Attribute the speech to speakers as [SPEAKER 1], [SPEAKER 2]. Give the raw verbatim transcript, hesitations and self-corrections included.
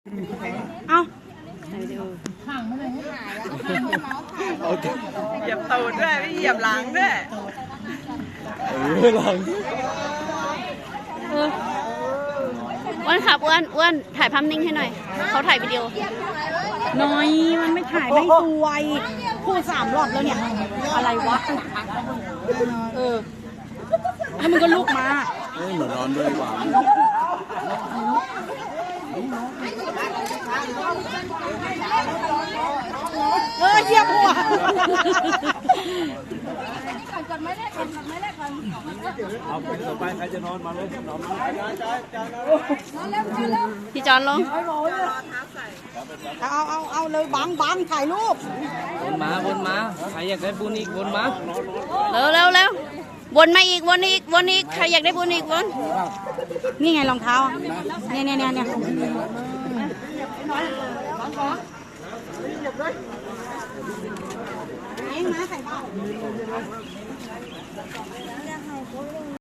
[SPEAKER 1] เอา
[SPEAKER 2] เหยียบตูดด้วยไม่เหยียบหลังด้วย
[SPEAKER 3] เออหลัง
[SPEAKER 1] อ้วนครับอ้วนอ้วนถ่ายภาพนิ่งให้หน่อยเขาถ่ายวิดีโอน้อยมันไม่ถ่ายไม่สวยพูดสามรอบแล้วเนี่ยอะไรวะเออแล้วมันก็ลุกมา
[SPEAKER 3] เฮ้ยเหมือนนอนด้วยดีกว่า
[SPEAKER 1] เออเหยียบหัว
[SPEAKER 3] เอาไปต่อไปใครจะนอนมาเลยนอนมา
[SPEAKER 1] พี่จอนลง
[SPEAKER 2] เอาเอาเอาเลยบังบังถ่ายรูป
[SPEAKER 4] วนมาวนมาใครอยากได้บุญอีกวนมา
[SPEAKER 1] เร็วเร็วเร็ววนมาอีกวนอีกวนอีกใครอยากได้บุญอีกวนนี่ไงรองเท้าเนี่ยเนี่ยเนี่ยเนี่ย